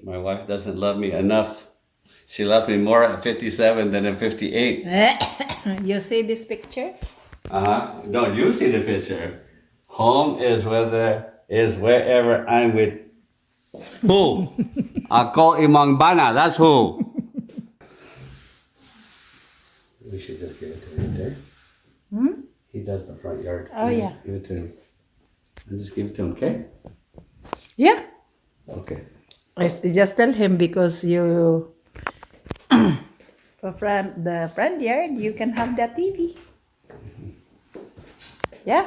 My wife doesn't love me enough. She loves me more at 57 than at 58. You see this picture? No, you see the picture. Home is wherever I'm with who? Ako Imang Bana, that's who. We should just give it to him there. He does the front yard. Oh, Just yeah. Give it to him. And just give it to him, okay? Yeah. Okay. Just tell him because you the front yard you can have the TV. Yeah.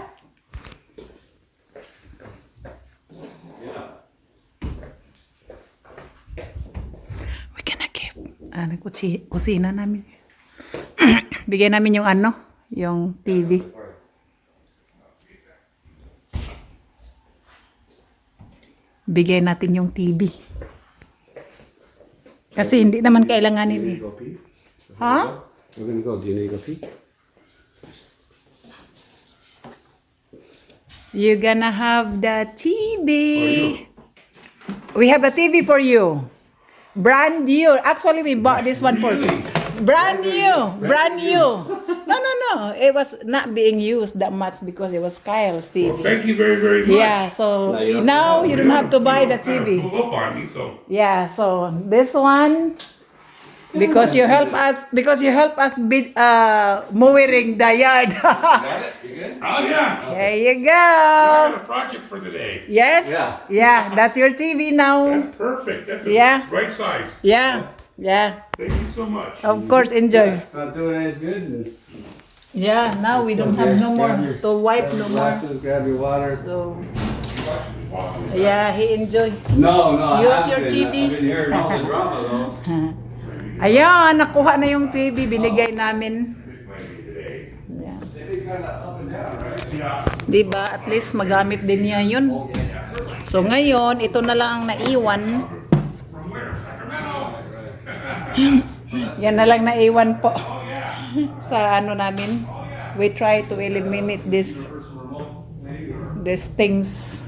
We gonna give kusina namin. Bigyan namin yung yung TV. Bigay natin yung TV. Kasi hindi naman kailanganin eh. Go pee? Ha? We're gonna go. Do you need to go pee? You're gonna have the TV. We have a TV for you. Brand new. Actually, we bought this one for you. Brand new. Brand new. No. It was not being used that much because it was Kyle's TV. Well, thank you very, very much. Yeah, so now you don't have to buy the TV. Pull up on me, so. Yeah, so this one because you help us mowing the yard. Got it? You good? Oh yeah. There you I go. got a project for today. Yes. Yeah. Yeah, that's your TV now. That's perfect. That's a Yeah. right size. Yeah. Yeah. Thank you so much. Of course, enjoy. It's not doing as good. Yeah, now we don't have no more to wipe no more. Glasses, grab your water. So, yeah, he enjoyed. No, I Use haven't your been. TV. I've been hearing all the drama though. Ayan, nakuha na yung TV, binigay namin. Yeah. They kind of up and down, right? Yeah. Diba? At least magamit din niya yun. So ngayon, ito na lang ang naiwan. From where? Sacramento. Yan na lang naiwan po. Sa namin. We try to eliminate these things.